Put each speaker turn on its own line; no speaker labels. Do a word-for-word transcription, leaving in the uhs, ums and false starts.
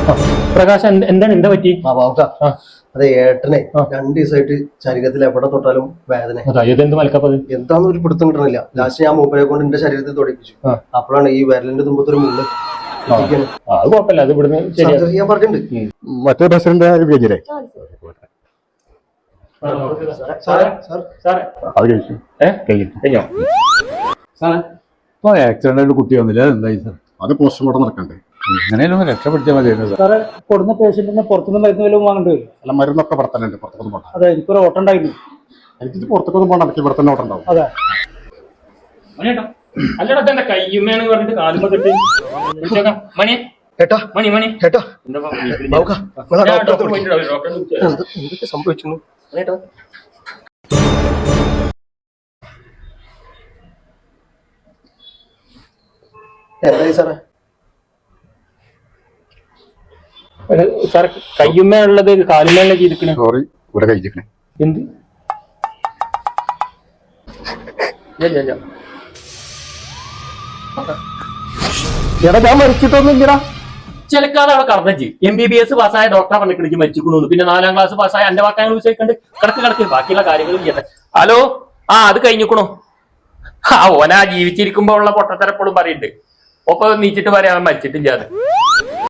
പ്രകാശ് എന്താണ് എന്താ പറ്റി?
ആ ബാബുക്ക, അതെ ഏട്ടനെ രണ്ടു ദിവസമായിട്ട് ശരീരത്തിൽ എവിടെ തൊട്ടാലും വേദന.
എന്ത് മലക്കപ്പത്
എന്താന്ന് ഒരു പിടുത്തം കിട്ടണില്ല. ലാസ്റ്റ് ഞാൻ മൂപ്പരെ കൊണ്ട് എന്റെ ശരീരത്തിൽ തൊടിപ്പിച്ചു. അപ്പോഴാണ് ഈ വിരലിന്റെ തുമ്പത്തൊരു മുള്ള്.
അത് കുഴപ്പമില്ല, അത് ഇവിടുന്ന്
ചെയ്യാൻ പറഞ്ഞിട്ടുണ്ട്.
മറ്റേ പ്രസിഡന്റ് വിജയരെ
ഇപ്പൊ ആക്സിഡന്റ് കുട്ടി വന്നില്ല, എന്തായി സാർ?
അത് പോസ്റ്റ്മോർട്ടം നടക്കണ്ടേ?
എങ്ങനെയാലും രക്ഷപ്പെടുത്തിയാൽ മതിയായിരുന്നു
സാറേ. കൊടുന്ന പേഷ്യന്റിന് പുറത്തുനിന്ന് മരുന്ന് വല്ലതും വാങ്ങേണ്ടി വരും?
അല്ല, മരുന്നൊക്കെ ഇവിടെ തന്നെ ഉണ്ട്, പുറത്തൊന്നും പോകണ്ട.
അതെ, എനിക്കൊരു ഓട്ടം ഉണ്ടായിരുന്നു.
എനിക്കിത് പുറത്തൊന്നും പോകണ്ട, എനിക്ക് ഇവിടെ തന്നെ ഓട്ടം ഉണ്ടാവും.
അതെ.
അല്ലടാ കയ്യുമ്മേന്ന് പറഞ്ഞിട്ട് കാലുമ്പോ കെട്ടി മണി
ഏട്ടാ
മണി മണി
ഏട്ടാ സംഭവിച്ചു. എന്തായി സാറേ?
സാർ കയ്യുമ്മേ ഉള്ളത് കാലുമേലെ ചെയ്തിക്കണേ.
സോറി, ഇവിടെ കഴിച്ചിക്കണേ.
എന്ത്
എടാ, ഞാൻ മരിച്ചിട്ടൊന്നും ഇല്ലടാ.
ചിലക്കാതെ അവിടെ കടന്നു. എം ബി ബി എസ് പാസ്സായ ഡോക്ടറെ പറഞ്ഞിട്ട് മരിച്ചിക്കണു. പിന്നെ നാലാം ക്ലാസ് പാസ്സായ എന്റെ വാക്കാങ്ങൾ വിശ്വസിക്കണ്ട് കിടക്ക് കിടക്ക് ബാക്കിയുള്ള കാര്യങ്ങളും ചെയ്യട്ടെ. ഹലോ, ആ അത് കഴിഞ്ഞിക്കണു. ആ ഓനാ ജീവിച്ചിരിക്കുമ്പോ ഉള്ള പൊട്ടത്തരപ്പോഴും പറയുന്നുണ്ട്. ഒപ്പം നീച്ചിട്ട് പറയാൻ മരിച്ചിട്ടില്ലാതെ.